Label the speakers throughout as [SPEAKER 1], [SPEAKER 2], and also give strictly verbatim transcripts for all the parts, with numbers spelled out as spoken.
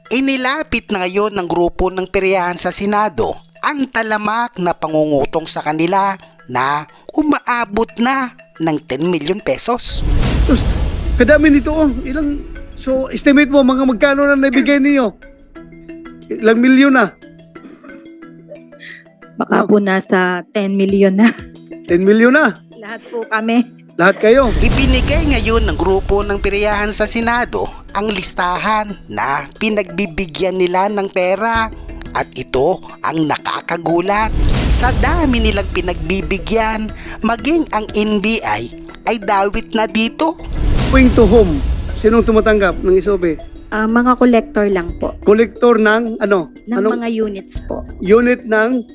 [SPEAKER 1] Inilapit na ngayon ng grupo ng peryahan sa Senado ang talamak na pangungutong sa kanila na umaabot na ng ten million pesos.
[SPEAKER 2] Sus, kadami nito oh. Ilang, so estimate mo mga magkano na naibigay niyo? Ilang milyon na?
[SPEAKER 3] Baka po nasa ten million na.
[SPEAKER 2] ten milyon na?
[SPEAKER 3] Lahat po kami.
[SPEAKER 2] Lahat kayo?
[SPEAKER 1] Ibinigay ngayon ng grupo ng peryahan sa Senado ang listahan na pinagbibigyan nila ng pera. At ito ang nakakagulat. Sa dami nilang pinagbibigyan, maging ang N B I ay dawit na dito.
[SPEAKER 2] Going to home. Sinong tumatanggap ng isobe?
[SPEAKER 3] Ah, mga collector lang po.
[SPEAKER 2] Kolektor ng ano?
[SPEAKER 3] Ng
[SPEAKER 2] Anong
[SPEAKER 3] mga units po.
[SPEAKER 2] unit ng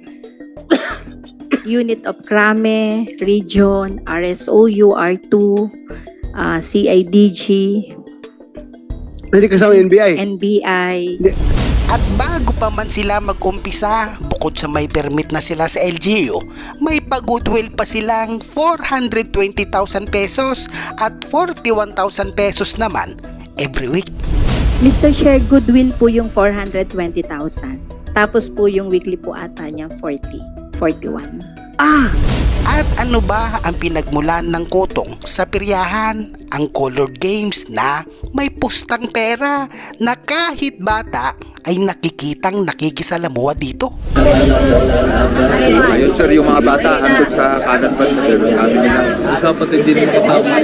[SPEAKER 3] Unit of Krame, Region, R S O U, R two, ah, C I D G,
[SPEAKER 2] hindi kasama N B I?
[SPEAKER 3] N B I.
[SPEAKER 2] Hindi.
[SPEAKER 1] At bago pa man sila mag-umpisa, bukod sa may permit na sila sa L G U, may pag-goodwill pa silang four hundred twenty thousand pesos at forty-one thousand pesos naman every week.
[SPEAKER 3] Mister Chair, goodwill po yung four hundred twenty thousand. Tapos po yung weekly po ata niya forty, forty-one.
[SPEAKER 2] Ah!
[SPEAKER 1] At ano ba ang pinagmulan ng kotong sa peryahan? Ang colored games na may pustang pera na kahit bata ay nakikitang nakikisalamuha dito.
[SPEAKER 4] Ayun sir, yung mga bata andun sa kanan pa sir. Usapan din din makatama.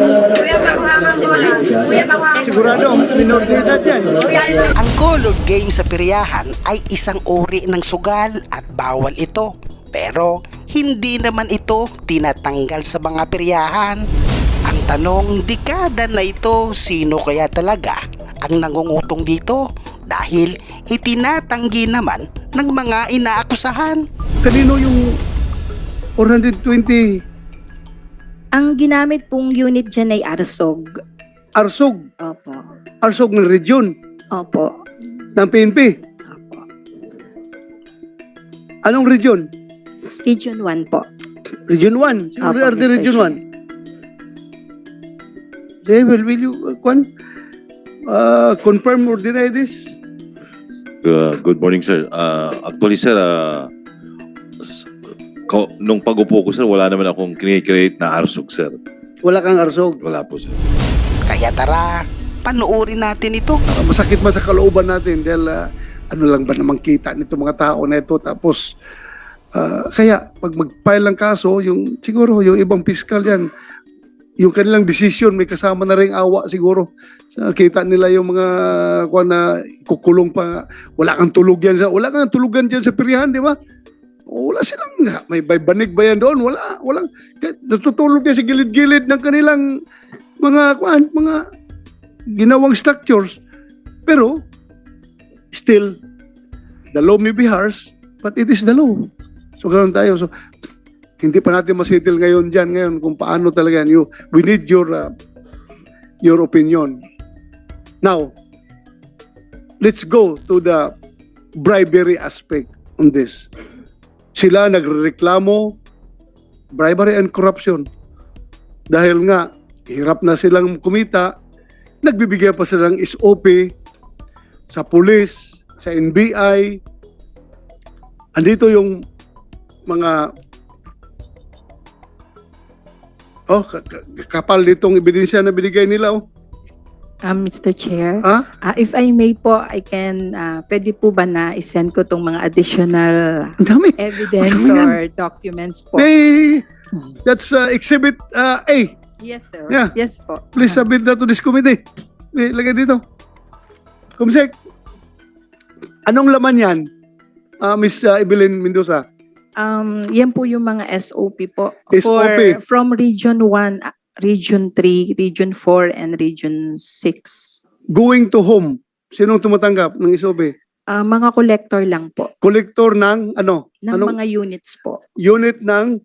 [SPEAKER 2] Sigurado, minor de edad yan.
[SPEAKER 1] Ang colored game sa peryahan ay isang uri ng sugal at bawal ito. Pero hindi naman ito tinatanggal sa mga peryahan. Ang tanong, dekada na ito, sino kaya talaga ang nangungutong dito? Dahil itinatanggi naman ng mga inaakusahan.
[SPEAKER 2] Kanino yung four hundred twenty
[SPEAKER 3] Ang ginamit pong unit dyan ay Arsog.
[SPEAKER 2] arsog?
[SPEAKER 3] Opo.
[SPEAKER 2] Arsog ng region
[SPEAKER 3] Opo.
[SPEAKER 2] ng P N P.
[SPEAKER 3] Opo.
[SPEAKER 2] Anong region?
[SPEAKER 3] Region one po.
[SPEAKER 2] Region one. Sino
[SPEAKER 3] Opo,
[SPEAKER 2] are the
[SPEAKER 3] Mister
[SPEAKER 2] Region
[SPEAKER 3] Chair.
[SPEAKER 2] one? They will, will you, uh, Kwan? Uh, confirm or deny this?
[SPEAKER 5] Uh, good morning, sir. Uh, actually, sir, uh, s- ko- nung pag-upo ko, sir, wala naman akong create na arsog, sir.
[SPEAKER 2] Wala kang arsog.
[SPEAKER 5] Wala po, sir.
[SPEAKER 1] Kaya tara, panoorin natin ito.
[SPEAKER 2] Uh, masakit man sa kalooban natin dahil uh, ano lang ba namang kita nito mga tao na ito. Tapos, uh, kaya pag mag-file ng kaso, yung, siguro yung ibang piskal yan, yung kanilang decision, may kasama na rin awa siguro. Sa kita nila yung mga kuha na kukulong pa. Wala kang tulog yan. Sa, wala kang tulugan dyan sa pirihan, di ba? O, wala silang, may may banig ba yan doon? Wala, walang, kahit natutulog yan sa gilid-gilid ng kanilang mga, kuhan, mga ginawang structures. Pero, still, the law may be harsh, but it is the law. So, ganoon tayo. So, hindi pa natin masettle ngayon dyan ngayon kung paano talaga yan. You, we need your uh, your opinion. Now, let's go to the bribery aspect on this. Sila nagreklamo bribery and corruption. Dahil nga, hirap na silang kumita, nagbibigay pa silang S O P sa pulis, sa N B I. Andito yung mga oh, ka- ka- kapal nitong ebidensya na binigay nila oh.
[SPEAKER 3] Um, Mister Chair,
[SPEAKER 2] Ha?
[SPEAKER 3] ah, if I may po, I can, ah, pwede po ba na isend ko tong mga additional
[SPEAKER 2] Ang dami.
[SPEAKER 3] evidence
[SPEAKER 2] Ano yan?
[SPEAKER 3] or documents po?
[SPEAKER 2] Hey, that's uh, exhibit uh, A.
[SPEAKER 3] Yes, sir.
[SPEAKER 2] Yeah.
[SPEAKER 3] Yes po.
[SPEAKER 2] Please
[SPEAKER 3] Ah.
[SPEAKER 2] submit that to this committee. Eh, lagay dito. Kumsek, anong laman yan, uh, Miss uh, Evelyn Mendoza?
[SPEAKER 3] Um, yan po yung mga S O P po.
[SPEAKER 2] S O P.
[SPEAKER 3] For, from Region one, ah, Region three, Region four, and Region six.
[SPEAKER 2] Going to home. Sinong tumatanggap ng S O P?
[SPEAKER 3] Ah, mga collector lang po.
[SPEAKER 2] Kolektor ng ano?
[SPEAKER 3] Ng
[SPEAKER 2] Anong
[SPEAKER 3] mga units po.
[SPEAKER 2] unit ng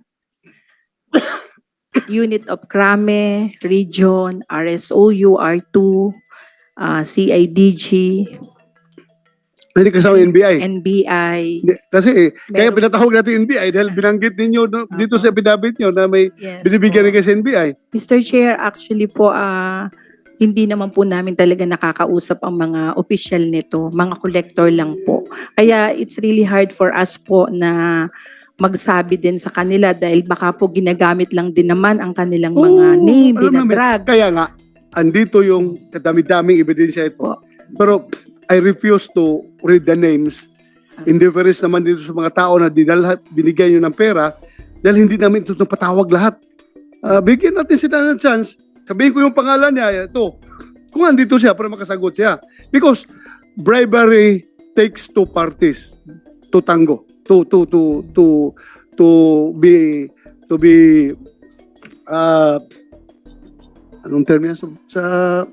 [SPEAKER 3] Unit of Krame, Region, R S O U, R two, ah, C I D G,
[SPEAKER 2] hindi kasama N B I?
[SPEAKER 3] N B I.
[SPEAKER 2] Hindi, kasi eh, kaya
[SPEAKER 3] Meron-
[SPEAKER 2] pinatawag natin N B I dahil binanggit ninyo no, dito sa epidabit nyo na may
[SPEAKER 3] Yes
[SPEAKER 2] binibigyan
[SPEAKER 3] po.
[SPEAKER 2] ni kasi N B I.
[SPEAKER 3] Mister Chair, actually po, ah hindi naman po namin talaga nakakausap ang mga opisyal nito, mga collector lang po. Kaya it's really hard for us po na magsabi din sa kanila dahil baka po ginagamit lang din naman ang kanilang mga
[SPEAKER 2] Oo,
[SPEAKER 3] name,
[SPEAKER 2] alam namin.
[SPEAKER 3] dinadrag.
[SPEAKER 2] Kaya nga, andito yung kadami-daming ebidensya ito. Pero I refuse to read the names. In deference naman dito sa mga tao na dinalhat, binigyan nyo ng pera dahil hindi namin ito patawag lahat. Ah, bigyan natin sila ng chance. Sabihin ko yung pangalan niya, ito. Kung andito siya, para makasagot siya. Because bribery takes two parties to tango. To, to, to, to, to be, to be, uh, anong term yan sa, sa,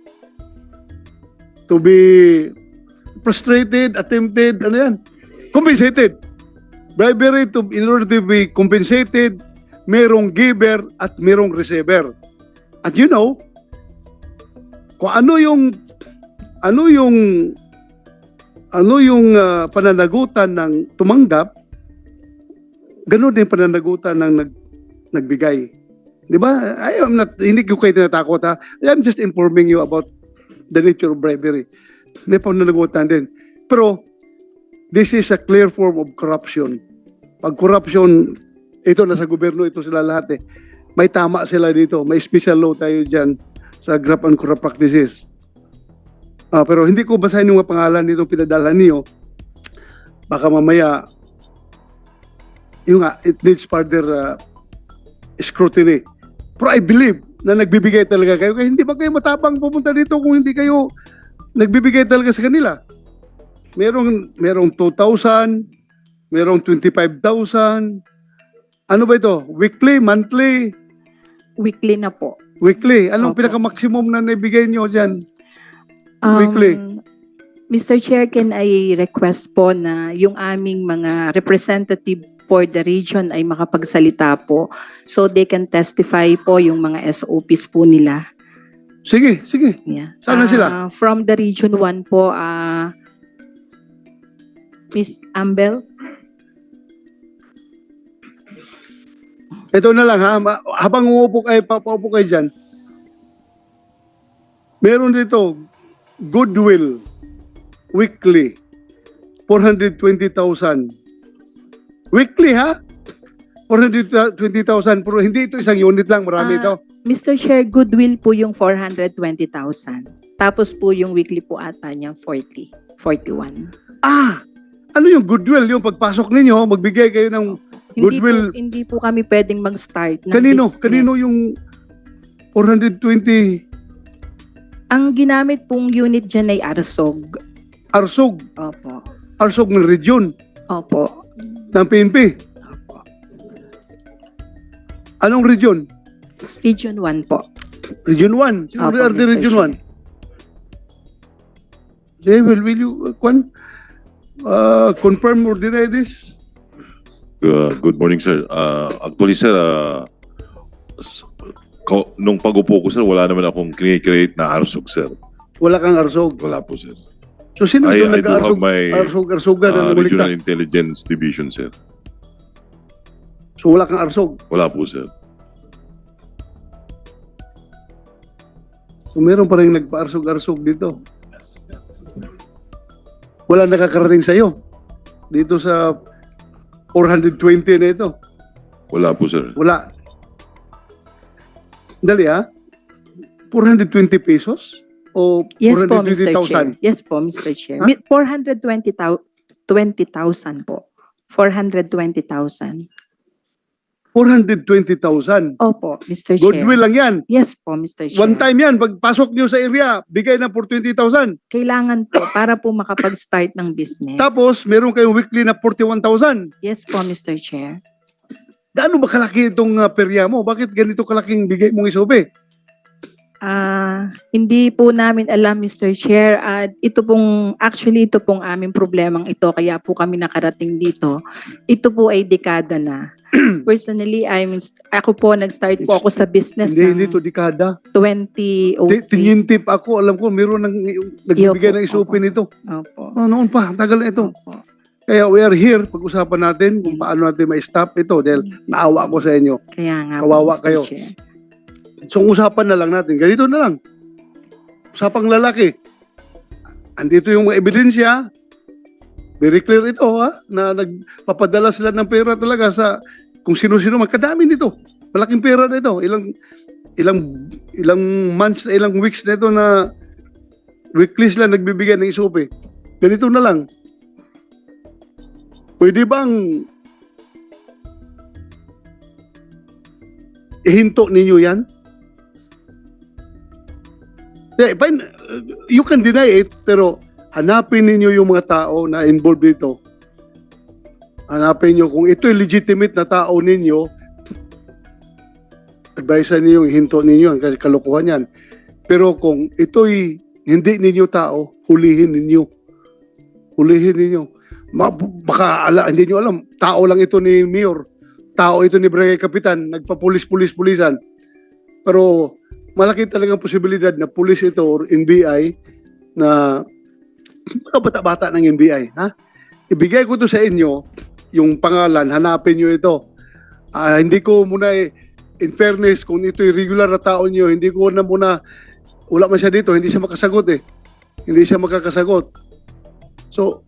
[SPEAKER 2] to be frustrated, attempted, ano yan? Compensated. Bribery, to, in order to be compensated, merong giver at merong receiver. At you know, kung ano yung ano yung ano yung uh, pananagutan ng tumanggap, ganun din pananagutan ng nag, nagbigay. Di ba? I am not, hindi ko kayo tinatakot ha. I am just informing you about the nature of bribery. May pananagutan din. Pero, this is a clear form of corruption. Pag corruption, ito nasa gobyerno, ito sila lahat eh. May tama sila dito. May special law tayo dyan sa graft and corrupt practices. Ah, pero hindi ko basahin yung mga pangalan nitong pinadalhan niyo. Baka mamaya, yung nga, it needs further uh, scrutiny. Pero I believe na nagbibigay talaga kayo. Kaya hindi ba kayo matapang pupunta dito kung hindi kayo nagbibigay talaga sa kanila? Merong, merong two thousand, merong twenty-five thousand. Ano ba ito? Weekly, monthly,
[SPEAKER 3] Weekly na po.
[SPEAKER 2] weekly. Anong
[SPEAKER 3] Opo.
[SPEAKER 2] pinaka-maximum na naibigay nyo dyan?
[SPEAKER 3] Um,
[SPEAKER 2] Weekly.
[SPEAKER 3] Mister Chair, can I request po na yung aming mga representative for the region ay makapagsalita po so they can testify po yung mga S O Ps po nila.
[SPEAKER 2] Sige, sige.
[SPEAKER 3] Yeah.
[SPEAKER 2] Saan na sila?
[SPEAKER 3] Ah, from the Region one po, ah Miss Ambel.
[SPEAKER 2] Ito na lang ha. Ma- Habang umupo kayo, papaupo kayo dyan. Meron dito, Goodwill, weekly, four hundred twenty thousand. Weekly ha? four hundred twenty thousand. Pero hindi ito isang unit lang, marami
[SPEAKER 3] Ah,
[SPEAKER 2] ito.
[SPEAKER 3] Mister Chair, Goodwill po yung four hundred twenty thousand. Tapos po yung weekly po ata niya forty, forty-one.
[SPEAKER 2] Ah! Ano yung Goodwill? Yung pagpasok ninyo, magbigay kayo ng
[SPEAKER 3] Hindi
[SPEAKER 2] Goodwill.
[SPEAKER 3] po, hindi po kami pwedeng mag-start ng
[SPEAKER 2] kanino?
[SPEAKER 3] business.
[SPEAKER 2] Kanino yung four hundred twenty
[SPEAKER 3] Ang ginamit pong unit dyan ay Arsog.
[SPEAKER 2] arsog?
[SPEAKER 3] Opo.
[SPEAKER 2] Arsog ng region
[SPEAKER 3] Opo.
[SPEAKER 2] ng P N P.
[SPEAKER 3] Opo.
[SPEAKER 2] Anong region?
[SPEAKER 3] Region one po.
[SPEAKER 2] Region one. Sino
[SPEAKER 3] Opo,
[SPEAKER 2] are the
[SPEAKER 3] Mister
[SPEAKER 2] Region
[SPEAKER 3] Chair.
[SPEAKER 2] one? They will, will you, uh, Kwan, uh, confirm or deny this?
[SPEAKER 5] Uh, good morning, sir. Uh, actually, sir, uh, s- ko- nung pag-upo ko, sir, wala naman akong create na arsog, sir.
[SPEAKER 2] Wala kang arsog.
[SPEAKER 5] Wala po, sir.
[SPEAKER 2] So, sino
[SPEAKER 5] I,
[SPEAKER 2] yung
[SPEAKER 5] I do
[SPEAKER 2] nag-arsog?
[SPEAKER 5] have my
[SPEAKER 2] Arsog-arsogan na
[SPEAKER 5] uh,
[SPEAKER 2] namulikta?
[SPEAKER 5] Regional Intelligence Division, sir.
[SPEAKER 2] So, wala kang arsog.
[SPEAKER 5] Wala po, sir.
[SPEAKER 2] So, meron pa rin nagpa-arsog-arsog dito. Wala nakakarating sa'yo. Dito sa four hundred twenty na ito.
[SPEAKER 5] Wala po, sir.
[SPEAKER 2] Wala. Dali ha? four hundred twenty pesos? O
[SPEAKER 3] Yes po, Mister
[SPEAKER 2] four hundred twenty thousand?
[SPEAKER 3] Chair. Yes po, Mister Chair.
[SPEAKER 2] Ha?
[SPEAKER 3] Mi- four hundred twenty thousand po. four hundred twenty thousand.
[SPEAKER 2] four hundred twenty thousand.
[SPEAKER 3] Opo, Mister Chair.
[SPEAKER 2] Goodwill lang yan.
[SPEAKER 3] Yes po, Mister Chair.
[SPEAKER 2] One time yan. Pagpasok nyo sa area, bigay na for twenty thousand.
[SPEAKER 3] Kailangan po para po makapag-start ng business.
[SPEAKER 2] Tapos, meron kayong weekly na forty-one thousand.
[SPEAKER 3] Yes po, Mister Chair.
[SPEAKER 2] Gaano ba kalaki itong uh, perya mo? Bakit ganito kalaking bigay mong isobe?
[SPEAKER 3] Ah, hindi po namin alam, Mister Chair. At ito pong, actually, ito pong aming problemang ito. Kaya po kami nakarating dito. Ito po ay dekada na. Personally, I'm, ako po, nag-start po ako sa business
[SPEAKER 2] Hindi,
[SPEAKER 3] ng
[SPEAKER 2] hindi to dekada.
[SPEAKER 3] twenty oh
[SPEAKER 2] Ti-
[SPEAKER 3] three.
[SPEAKER 2] Tinyintip ako, alam ko, meron nang nagbibigay
[SPEAKER 3] Iyo po,
[SPEAKER 2] ng isobe
[SPEAKER 3] opo.
[SPEAKER 2] nito.
[SPEAKER 3] Opo.
[SPEAKER 2] Oh, noon pa, tagal na ito.
[SPEAKER 3] Opo.
[SPEAKER 2] Kaya we are here, pag-usapan natin kung paano natin ma-stop ito dahil naawa ko sa inyo.
[SPEAKER 3] Kaya nga
[SPEAKER 2] Kawawa
[SPEAKER 3] po, Mister
[SPEAKER 2] kayo.
[SPEAKER 3] Chair.
[SPEAKER 2] So, usapan na lang natin. Ganito na lang. usapang lalaki. Andito yung mga ebidensya. Very clear ito, ha? Na nagpapadala sila ng pera talaga sa kung sino-sino. Magkadami nito. Malaking pera na ito. Ilang, ilang, ilang months, ilang weeks na ito na weekly sila nagbibigay ng S O P. Ganito na lang. Pwede bang ihinto ninyo yan? Yeah, fine. You can deny it, pero hanapin ninyo yung mga tao na involved dito. Hanapin nyo kung ito'y legitimate na tao ninyo, advise ninyo, ihinto ninyo kasi kalokohan yan. Pero kung ito'y hindi ninyo tao, hulihin ninyo. Hulihin ninyo. Ma- baka ala, hindi nyo alam, tao lang ito ni Mayor. Tao ito ni Barangay Kapitan, nagpa-pulis-pulis-pulisan. Pero malaki talagang posibilidad na pulis ito or N B I na mga bata-bata ng N B I. Ha? Ibigay ko to sa inyo, yung pangalan, hanapin nyo ito. Ah, hindi ko muna, eh, in fairness, kung ito'y regular na tao nyo, hindi ko na muna, wala man siya dito, hindi siya makasagot eh. Hindi siya makakasagot. So,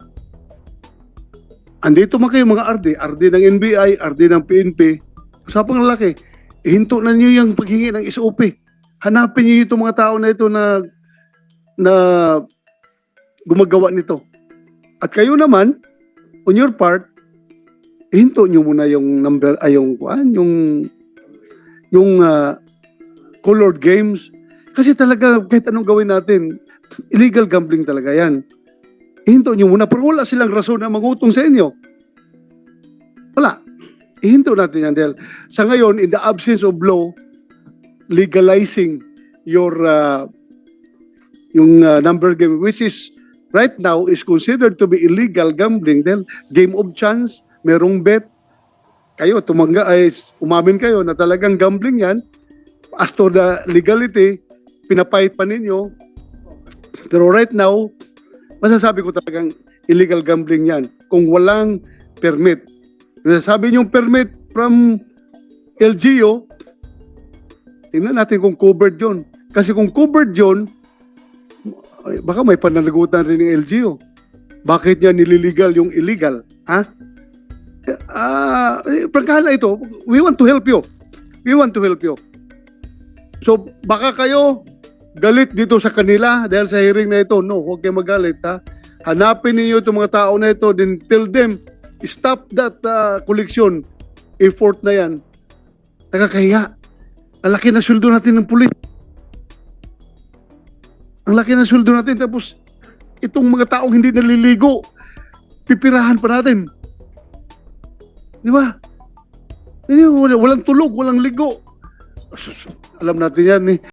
[SPEAKER 2] andito man kayo mga R D, R D ng N B I, R D ng P N P, usapang lalaki, ihinto na niyo yung paghingi ng S O P. Hanapin niyo itong mga tao na ito na na gumagawa nito. At kayo naman, on your part, ihinto niyo muna yung number, ay yung, kuan, yung, yung uh, colored games. Kasi talaga, kahit anong gawin natin, illegal gambling talaga yan. Ihinto nyo muna, pero wala silang rason na mangutong sa inyo. Wala. Ihinto natin yan dahil sa ngayon, in the absence of law, legalizing your uh, yung uh, number game, which is right now is considered to be illegal gambling dahil game of chance, merong bet, kayo, tumangga, ay, umamin kayo na talagang gambling yan. As to the legality, pinapahit pa ninyo. Pero right now, masasabi ko talagang illegal gambling yan kung walang permit. Masasabi niyong permit from L G U, tingnan natin kung covered yun. Kasi kung covered yun, ay, baka may pananagutan rin ng L G U. Bakit niya nililigal yung illegal? Ha? Ah, uh, prangkahala ito, we want to help you. We want to help you. So, baka kayo galit dito sa kanila dahil sa hearing na ito. No, huwag kayo magalit, ha? Hanapin niyo itong mga tao na ito, then tell them, stop that uh, collection effort na yan. Nakakahiya. Ang laki na sweldo natin ng pulis. Ang laki na sweldo natin, tapos itong mga taong hindi naliligo, pipirahan pa natin. Di ba? Walang tulog, walang ligo. Alam natin yan eh.